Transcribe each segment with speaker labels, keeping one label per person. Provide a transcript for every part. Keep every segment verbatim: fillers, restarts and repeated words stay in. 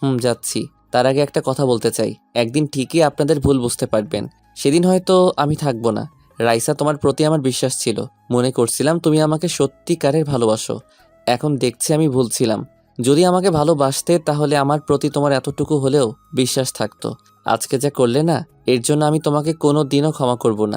Speaker 1: হুম, যাচ্ছি। তার আগে একটা কথা বলতে চাই। একদিন ঠিকই আপনাদের ভুল বুঝতে পারবেন। সেদিন হয়তো আমি থাকবো না। রাইসা, তোমার প্রতি আমার বিশ্বাস ছিল। মনে করছিলাম তুমি আমাকে সত্যিকারের ভালোবাসো। এখন দেখছি আমি ভুল ছিলাম। যদি আমাকে ভালোবাসতে তাহলে আমার প্রতি তোমার এতটুকু হলেও বিশ্বাস থাকতো। আজকে যা করলে না, এর জন্য আমি তোমাকে কোনো দিনও ক্ষমা করব না।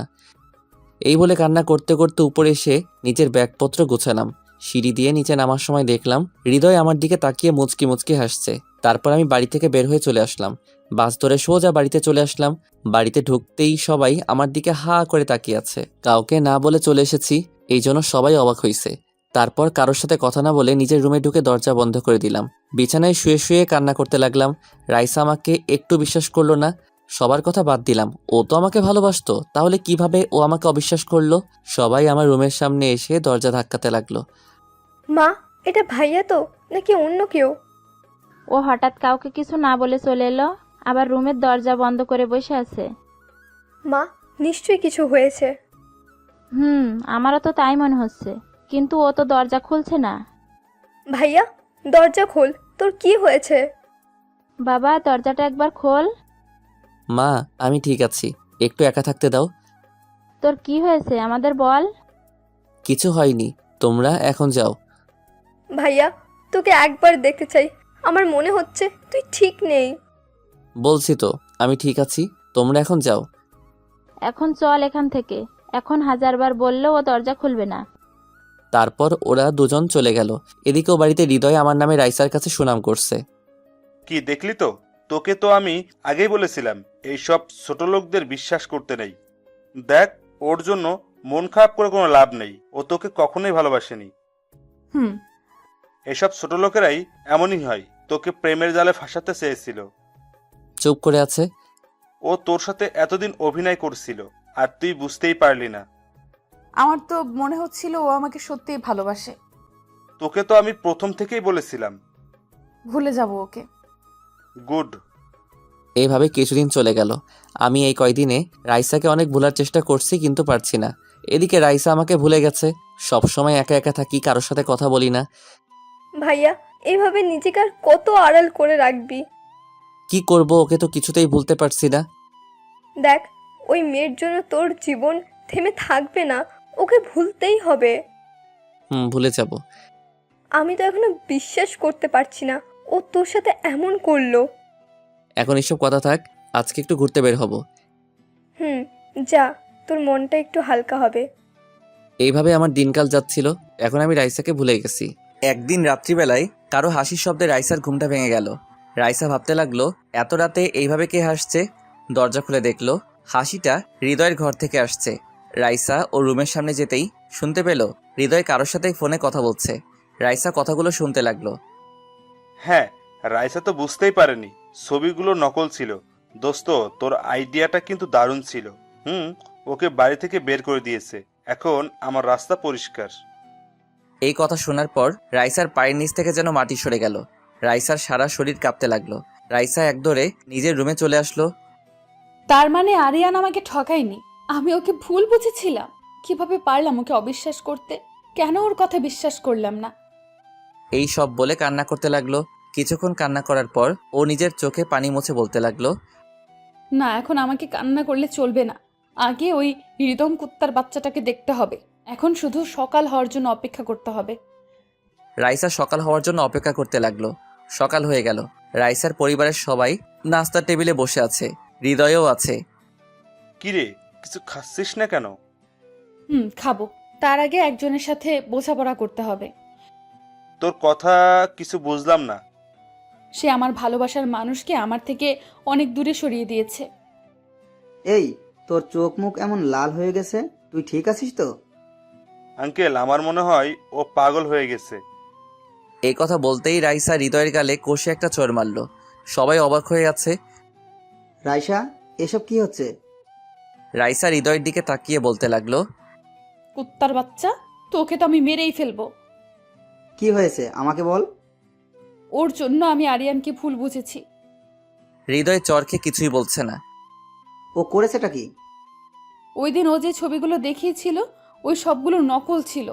Speaker 1: এই বলে কান্না করতে করতে উপরে এসে নিজের ব্যাগপত্র গোছালাম। সিঁড়ি দিয়ে নিচে নামার সময় দেখলাম হৃদয় আমার দিকে তাকিয়ে মুচকি মুচকি হাসছে। তারপর আমি বাড়ি থেকে বের হয়ে চলে আসলাম। বাস ধরে সোজা বাড়িতে চলে আসলাম। বাড়িতে ঢুকতেই সবাই আমার দিকে হা করে তাকিয়ে আছে। কাউকে না বলে চলে এসেছি, এই জন্য সবাই অবাক হয়েছে। তারপর কারোর সাথে কথা না বলে নিজের রুমে ঢুকে দরজা বন্ধ করে দিলাম। বিছানায় শুয়ে শুয়ে কান্না করতে লাগলাম। রাইসা আমাকে একটু বিশ্বাস করলো না। সবার কথা বাদ দিলাম, ও তো আমাকে ভালোবাসতো, তাহলে কিভাবে ও আমাকে অবিশ্বাস করলো? সবাই আমার রুমের সামনে এসে দরজা ধাক্কাতে লাগলো।
Speaker 2: মা, এটা ভাইয়া তো নাকি অন্য কেউ?
Speaker 3: ও হঠাৎ কাউকে কিছু না বলে চলে এলো, আবার রুমের দরজা বন্ধ করে বসে আছে।
Speaker 2: মা, নিশ্চয়ই কিছু হয়েছে।
Speaker 3: হুম, আমারও তো তাই মনে হচ্ছে, কিন্তু ও তো দরজা খুলছে না।
Speaker 2: ভাইয়া, দরজা খোল, তোর কি হয়েছে?
Speaker 3: বাবা, দরজাটা একবার খোল।
Speaker 1: মা, আমি ঠিক আছি, একটু একা থাকতে দাও।
Speaker 3: তোর কি হয়েছে আমাদের বল।
Speaker 1: কিছু হয়নি, তোমরা এখন যাও।
Speaker 2: ভাইয়া, তোকে একবার দেখতে চাই। আমার মনে হচ্ছে তুই ঠিক নেই।
Speaker 1: বলছি তো আমি ঠিক আছি, তোমরা এখন যাও।
Speaker 3: এখন চল এখান থেকে। এখন হাজারবার বললেও ও দরজা খুলবে না।
Speaker 1: তারপর ওরা দুজন চলে গেল। এদিকেও বাড়িতে হৃদয় আমার নামে রাইসার কাছে সুনাম করছে।
Speaker 4: কি দেখলি তো, তোকে তো আমি আগেই বলেছিলাম এইসব ছোট লোকদের বিশ্বাস করতে নেই। দেখ, ওর জন্য মন খারাপ করে কোনো লাভ নেই, ও তোকে কখনোই ভালোবাসেনি।
Speaker 5: হুম।
Speaker 4: এসব ছোট লোকেরাই এমনই হয়, তোকে প্রেমের জালে ফাঁসাতে চেয়েছিল।
Speaker 1: চুপ করে আছে।
Speaker 4: ও তোর সাথে এতদিন অভিনয় করছিল, আর তুই বুঝতেই পারলি না।
Speaker 5: আমার তো মনে হচ্ছিল ও আমাকে সত্যিই ভালোবাসে।
Speaker 4: তোকে তো আমি প্রথম থেকেই বলেছিলাম।
Speaker 5: ভুলে যাব ওকে।
Speaker 4: গুড।
Speaker 1: এইভাবে কিছুদিন চলে গেল। আমি এই কয়দিনে রাইসাকে অনেক ভোলার চেষ্টা করছি, কিন্তু পারছি না। এদিকে রাইসা আমাকে ভুলে গেছে। সব সময় একা একা থাকি, কারোর সাথে কথা বলি না।
Speaker 2: ভাইয়া, এভাবে নিজেকে আর কত আড়াল করে রাখবি?
Speaker 1: কি করব, ওকে তো কিছুতেই ভুলতে পারছি না।
Speaker 2: দেখ, ওই মেয়ের জন্য তোর জীবন থেমে থাকবে না। ওকে ভুলতেই হবে।
Speaker 1: হুম, ভুলে যাব।
Speaker 2: আমি তো এখনো বিশ্বাস করতে পারছি না ও তোর সাথে এমন করলো।
Speaker 1: এখন এসব কথা থাক, আজকে একটু ঘুরতে বের হব।
Speaker 2: হুম, যা, তোর মনটা একটু হালকা হবে।
Speaker 1: এইভাবে আমার দিনকাল যাচ্ছিল। এখন আমি রাইসাকে ভুলে গেছি। একদিন রাত্রিবেলায় কারো হাসির শব্দে রাইসার ঘুমটা ভেঙে গেল। রাইসা ভাবতে লাগলো, এত রাতে এইভাবে কে হাসছে। দরজা খুলে দেখলো হাসিটা হৃদয়ের ঘর থেকে আসছে। রাইসা ও রুমের সামনে যেতেই শুনতে পেল হৃদয় কারোর সাথে ফোনে কথা বলছে। রাইসা কথাগুলো শুনতে লাগলো।
Speaker 4: হ্যাঁ, রাইসা তো বুঝতেই পারেনি ছবিগুলো নকল ছিল। দোস্ত, তোর আইডিয়াটা কিন্তু দারুণ ছিল। হুম, ওকে বাড়ি থেকে বের করে দিয়েছে, এখন আমার রাস্তা পরিষ্কার।
Speaker 1: এই কথা শোনার পর রাইসার পায়ের নিচ থেকে যেন মাটি সরে গেল। রাইসার সারা শরীর কাঁপতে লাগলো। রাইসা একদরে নিজের রুমে চলে আসলো।
Speaker 5: তার মানে আরিয়ান আমাকে ঠকায়নি। আমি ওকে ভুল বুঝেছিলাম। কিভাবে পারলাম ওকে অবিশ্বাস করতে? কেন ওর কথা বিশ্বাস করলাম না?
Speaker 1: এই সব বলে কান্না করতে লাগলো। কিছুক্ষণ কান্না করার পর ও নিজের চোখে পানি মুছে বলতে লাগলো,
Speaker 5: না, এখন আমাকে কান্না করলে চলবে না। আগে ওই হৃদম কুত্তার বাচ্চাটাকে দেখতে হবে। এখন শুধু সকাল হওয়ার জন্য অপেক্ষা করতে হবে।
Speaker 1: রাইসা সকাল হওয়ার জন্য অপেক্ষা করতে লাগলো। সকাল হয়ে গেল। রাইসার পরিবারের সবাই নাস্তার টেবিলে বসে আছে, হৃদয়ও আছে।
Speaker 4: কিরে, কিছু খাচ্ছিস না কেন?
Speaker 5: হুম, খাবো। তার আগে একজনের সাথে বোঝাপড়া করতে হবে।
Speaker 4: তোর কথা কিছু বুঝলাম না।
Speaker 5: সে আমার ভালোবাসার মানুষকে আমার থেকে অনেক দূরে সরিয়ে দিয়েছে।
Speaker 6: এই, তোর চোখ মুখ এমন লাল হয়ে গেছে, তুই ঠিক আছিস তো?
Speaker 4: আঙ্কেল, আমার মনে হয় ও পাগল হয়ে গেছে।
Speaker 1: এই কথা বলতেই রাইসা হৃদয়ের গালে কষে একটা চড় মারল। সবাই অবাক হয়ে আছে।
Speaker 6: রাইসা, এসব কি হচ্ছে?
Speaker 1: রাইসা হৃদয়ের দিকে তাকিয়ে বলতে লাগলো,
Speaker 5: কুত্তার বাচ্চা, তোকে তো আমি মেরেই ফেলবো।
Speaker 6: কি হয়েছে আমাকে বল।
Speaker 5: ওর জন্য আমি আরিয়ানকে ভুল বুঝেছি।
Speaker 1: হৃদয় চরকে কিছুই বলছে না।
Speaker 6: ও করেছেটা কি?
Speaker 5: ওই দিন ও যে ছবিগুলো দেখিয়েছিল, ওই সবগুলো নকল ছিল।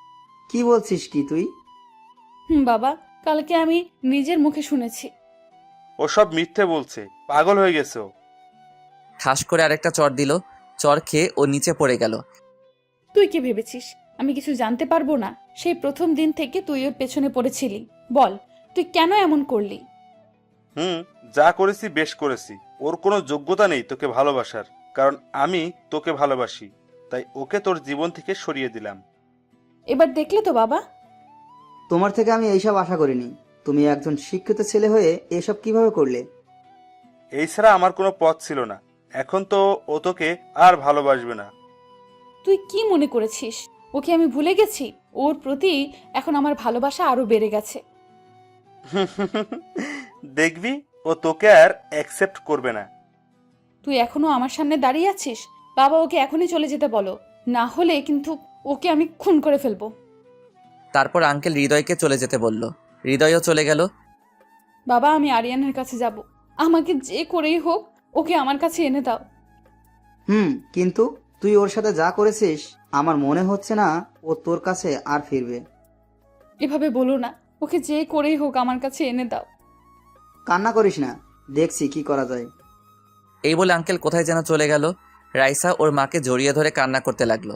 Speaker 6: কি বলছিস কি তুই?
Speaker 5: হুম বাবা, কালকে আমি নিজের মুখে শুনেছি।
Speaker 4: সব মিথ্যে বলছে, পাগল হয়ে গেছে ও।
Speaker 1: ঠাস করে আরেকটা চর দিল। চর খেয়ে ও নিচে পড়ে গেল।
Speaker 5: তুই কি ভেবেছিস আমি কিছু জানতে পারবো না? সেই প্রথম দিন থেকে তুই ওর পেছনে পড়েছিলি। বল, তুই কেন এমন করলি?
Speaker 4: হুম, যা করেছি বেশ করেছি। ওর কোনো যোগ্যতা নেই তোকে ভালোবাসার, কারণ আমি তোকে ভালোবাসি, তাই ওকে তোর জীবন থেকে সরিয়ে দিলাম।
Speaker 5: এবার দেখলে তো বাবা।
Speaker 6: তোমার থেকে আমি এইসব আশা করিনি। তুমি একজন শিক্ষিত ছেলে হয়ে এসব কিভাবে করলে?
Speaker 4: এই ছাড়া আমার কোনো পথ ছিল না। এখন তো ও তোকে আর ভালোবাসবে না।
Speaker 5: তুই কি মনে করেছিস ওকে আমি ভুলে গেছি? ওর প্রতি এখন আমার ভালোবাসা আরো বেড়ে গেছে।
Speaker 4: দেখবি ও তোকে আর অ্যাকসেপ্ট করবে না।
Speaker 5: তুই এখনো আমার সামনে দাঁড়িয়ে আছিস? বাবা, ওকে এখনই চলে যেতে বলো, না হলে কিন্তু ওকে আমি খুন করে ফেলবো।
Speaker 1: তারপর আঙ্কেল হৃদয়কে চলে যেতে বলল। হৃদয়ও চলে গেল।
Speaker 5: বাবা, আমি আরিয়ানের কাছে যাব। আমাকে যে করেই হোক ওকে আমার কাছে এনে দাও।
Speaker 6: হুম, কিন্তু তুই ওর সাথে যা করেছিস আমার মনে হচ্ছে না ও তোর কাছে আর ফিরবে।
Speaker 5: এভাবে বলো না, ওকে যে করেই হোক আমার কাছে এনে দাও।
Speaker 6: কান্না করিস না, দেখছি কি করা যায়।
Speaker 1: এই বলে আঙ্কেল কোথায় যেন চলে গেল। রাইসা ওর মাকে জড়িয়ে ধরে কান্না করতে লাগলো।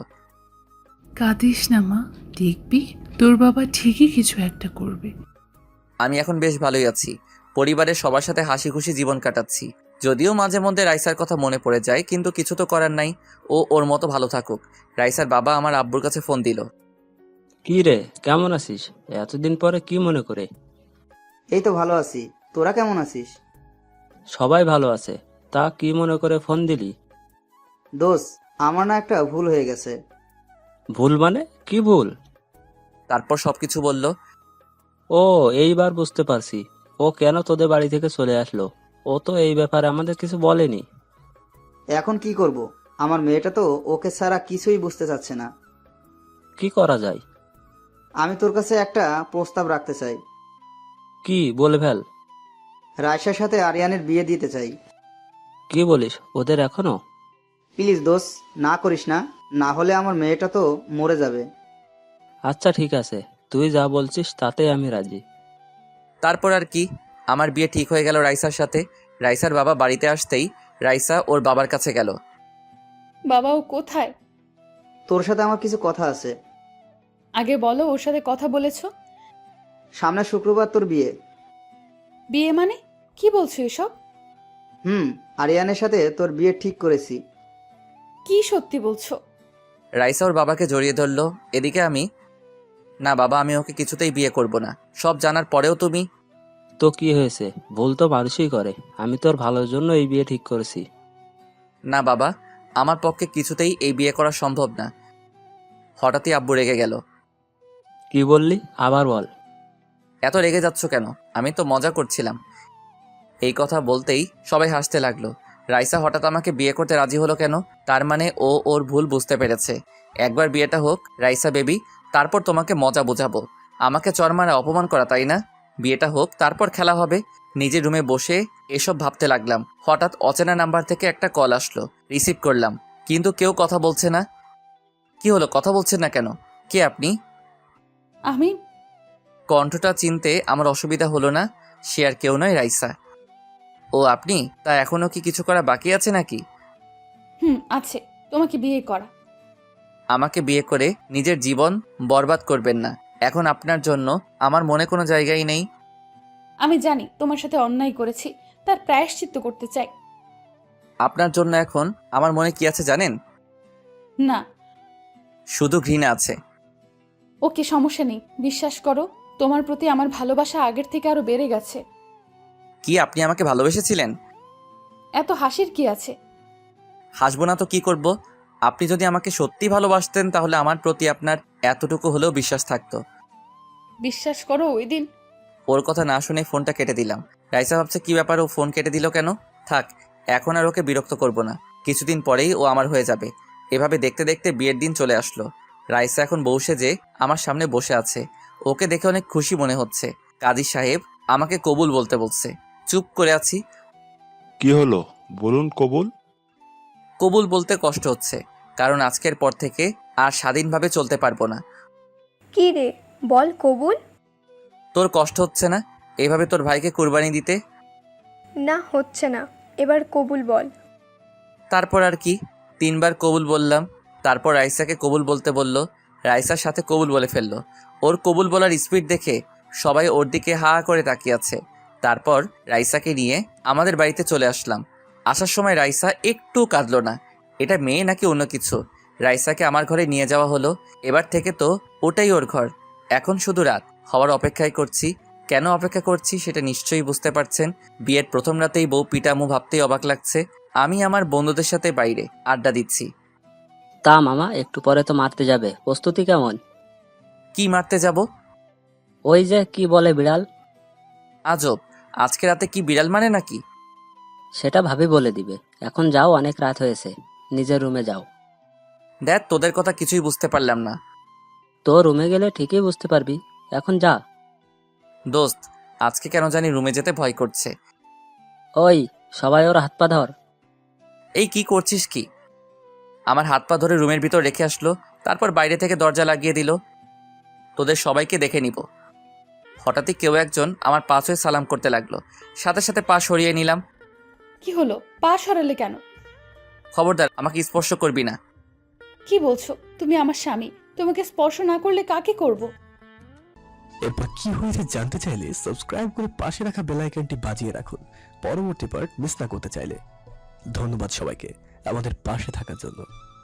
Speaker 7: কাঁদিস না মা, দেখবি তোর বাবা ঠিকই কিছু একটা করবে।
Speaker 1: আমি এখন বেশ ভালোই আছি। পরিবারের সবার সাথে হাসি খুশি জীবন কাটাচ্ছি। যদিও মাঝে মধ্যে রাইসার কথা মনে পড়ে যায়, কিন্তু কিছু তো করার নাই। ও ওর মতো ভালো থাকুক। রাইসার বাবা আমার আব্বুর কাছে ফোন দিল।
Speaker 8: কি রে, কেমন আছিস? এতদিন পরে কি মনে করে?
Speaker 6: এই তো ভালো আছি, তোরা কেমন আছিস?
Speaker 8: সবাই ভালো আছে। তা কি মনে করে ফোন দিলি?
Speaker 6: দোষ, আমার না একটা ভুল হয়ে গেছে।
Speaker 8: ভুল মানে কি ভুল?
Speaker 1: তারপর সবকিছু বলল।
Speaker 8: ও, এইবার বুঝতে পারছি ও কেন তোদের বাড়ি থেকে চলে আসলো। ও তো এই ব্যাপারে আমাদের কিছু বলেনি।
Speaker 6: এখন কি করব? আমার মেয়েটা তো ওকে ছাড়া কিছুই বুঝতে চাচ্ছে না।
Speaker 8: কি করা যায়?
Speaker 6: আমি তোর কাছে একটা প্রস্তাব রাখতে চাই।
Speaker 8: কি বলে ফেল।
Speaker 6: রায়সার সাথে আরিয়ানের বিয়ে দিতে চাই।
Speaker 8: কি বলিস, ওদের এখনো?
Speaker 6: প্লিজ দোষ, না করিস না, না হলে আমার মেয়েটা তো মরে যাবে।
Speaker 8: আচ্ছা ঠিক আছে, তুই যা বলছিস তাতে আমি রাজি।
Speaker 1: তারপর আর কি, আমার বিয়ে ঠিক হয়ে গেল রাইসার সাথে। রাইসার বাবা বাড়িতে আসতেই রাইসা ওর বাবার কাছে গেল।
Speaker 5: বাবা, ও কোথায়?
Speaker 6: তোর সাথে আমার কিছু কথা আছে।
Speaker 5: আগে বলো, ওর সাথে কথা বলেছো?
Speaker 6: সামনের শুক্রবার তোর বিয়ে।
Speaker 5: বিয়ে মানে কি বলছো এসব?
Speaker 6: হুম, আরিয়ানের সাথে তোর বিয়ে ঠিক করেছি।
Speaker 5: কি সত্যি বলছো?
Speaker 1: রাইসা ওর বাবাকে জড়িয়ে ধরল। এদিকে আমি, না বাবা, আমি ওকে কিছুতেই বিয়ে করব না। সব জানার পরেও তুমি।
Speaker 8: তো কি হয়েছে, ভুল তো মানুষই করে। আমি তোর ভালোর জন্য এই বিয়ে ঠিক করেছি।
Speaker 1: না বাবা, আমার পক্ষে কিছুতেই এই বিয়ে করা সম্ভব না। হঠাৎই আব্বু রেগে গেল।
Speaker 8: কি বললি, আবার বল।
Speaker 1: এত রেগে যাচ্ছ কেন? আমি তো মজা করছিলাম। এই কথা বলতেই সবাই হাসতে লাগলো। রাইসা হঠাৎ আমাকে বিয়ে করতে রাজি হলো কেন? তার মানে ও ওর ভুল বুঝতে পেরেছে। একবার বিয়েটা হোক রাইসা বেবি, তারপর তোমাকে মজা বোঝাবো। আমাকে চর মারা অপমান করা, তাই না? বিয়েটা হোক, তারপর খেলা হবে। নিজের রুমে বসে এসব ভাবতে লাগলাম। হঠাৎ অচেনা নাম্বার থেকে একটা কল আসলো। রিসিভ করলাম, কিন্তু কেউ কথা বলছে না। কি হলো, কথা বলছেন না কেন? কে আপনি?
Speaker 5: আমি
Speaker 1: কণ্ঠটা চিনতে আমার অসুবিধা হলো না। সে আর কেউ নয়, রাইসা। ও আপনি? তা এখনও কি কিছু করা বাকি আছে নাকি?
Speaker 5: হুম আছে, তোমাকে বিয়ে করা।
Speaker 1: আমাকে বিয়ে করে নিজের জীবন বরবাদ করবেন না। এখন আপনার জন্য আমার মনে কোনো জায়গাই নেই।
Speaker 5: আমি জানি তোমার সাথে অন্যায় করেছি, তার প্রায়শ্চিত্ত করতে চাই।
Speaker 1: আপনার জন্য এখন আমার মনে কি আছে জানেন?
Speaker 5: না।
Speaker 1: শুধু ঘৃণা আছে।
Speaker 5: ওকে, সমস্যা নেই, বিশ্বাস করো, তোমার প্রতি আমার ভালোবাসা আগের থেকে আরো বেড়ে গেছে।
Speaker 1: কি আপনি আমাকে ভালোবেসেছিলেন?
Speaker 5: এত হাসির কি আছে?
Speaker 1: হাসবো না তো কি করব? আপনি যদি আমাকে সত্যি ভালোবাসতেন তাহলে আমার প্রতি আপনার এতটুকু হলেও বিশ্বাস থাকতো।
Speaker 5: বিশ্বাস করো, ওই দিন
Speaker 1: ওর কথা না শুনে ফোনটা কেটে দিলাম। রাইসা ভাবছে কি ব্যাপার, ও ফোন কেটে দিল কেন? থাক, এখন আর ওকে বিরক্ত করব না। কিছুদিন পরেই ও আমার হয়ে যাবে। এভাবে দেখতে দেখতে বিয়ের দিন চলে আসলো। রাইসা এখন বউ সেজে আমার সামনে বসে আছে। ওকে দেখে অনেক খুশি মনে হচ্ছে। কাজী সাহেব আমাকে কবুল বলতে বলছে। চুপ করে আছি।
Speaker 9: কি হলো বলুন কবুল?
Speaker 1: কবুল বলতে কষ্ট হচ্ছে, কারণ আজকের পর থেকে আর স্বাধীনভাবে চলতে পারবো না।
Speaker 2: কি রে, বল কবুল।
Speaker 1: তোর কষ্ট হচ্ছে না এভাবে তোর ভাইকে কুরবানি দিতে?
Speaker 2: না হচ্ছে না, এবার কবুল বল।
Speaker 1: তারপর আর কি, তিনবার কবুল বললাম। তারপর রাইসাকে কবুল বলতে বলল। রাইসার সাথে কবুল বলে ফেললো। ওর কবুল বলার স্পিড দেখে সবাই ওর দিকে হা করে তাকিয়ে আছে। তারপর রাইসাকে নিয়ে আমাদের বাড়িতে চলে আসলাম। আসার সময় রাইসা একটু কাঁদলো না। এটা মেয়ে নাকি অন্য কিছু? রাইসাকে আমার ঘরে নিয়ে যাওয়া হলো। এবার থেকে তো ওটাই ওর ঘর। এখন শুধু রাত হওয়ার অপেক্ষাই করছি। কেন অপেক্ষা করছি সেটা নিশ্চয়ই বুঝতে পারছেন। বিয়ের প্রথম রাতেই বউ পিটামু ভাবতেই অবাক লাগছে। আমি আমার বন্ধুদের সাথে বাইরে আড্ডা দিচ্ছি।
Speaker 8: তা মামা, একটু পরে তো মারতে যাবে, প্রস্তুতি কেমন?
Speaker 1: কি মারতে যাব?
Speaker 8: ওই যে কি বলে বিড়াল।
Speaker 1: আজব, আজকে রাতে কি বিড়াল মানে নাকি?
Speaker 8: সেটা ভাবি বলে দিবে। এখন যাও, অনেক রাত হয়েছে, নিজের রুমে যাও।
Speaker 1: দেখ, তোদের কথা কিছুই বুঝতে পারলাম না।
Speaker 8: তো রুমে গেলে ঠিকই বুঝতে পারবি, এখন যা।
Speaker 1: দোস্ত, আজকে কেন জানি রুমে যেতে ভয় করছে।
Speaker 8: ওই সবাই ওর হাত পা ধর।
Speaker 1: এই কি করছিস কি? আমার হাত পা ধরে রুমের ভিতর রেখে আসলো, তারপর বাইরে থেকে দরজা লাগিয়ে দিল। তোদের সবাইকে দেখে নিব। হঠাৎই কেউ একজন আমার পাশ হয়ে সালাম করতে লাগলো। সাথে সাথে পা সরিয়ে নিলাম।
Speaker 5: কি হলো, পা সরালে কেন?
Speaker 1: খবরদার, আমাকে স্পর্শ করবি না।
Speaker 5: কি বলছো? তুমি আমার স্বামী, তোমাকে স্পর্শ না করলে কাকে করব?
Speaker 10: এরপর কি হয়েছে জানতে চাইলে সাবস্ক্রাইব করে পাশে রাখা বেল আইকনটি বাজিয়ে রাখুন পরবর্তী পার্ট মিস না করতে চাইলে। ধন্যবাদ সবাইকে আমাদের পাশে থাকার জন্য।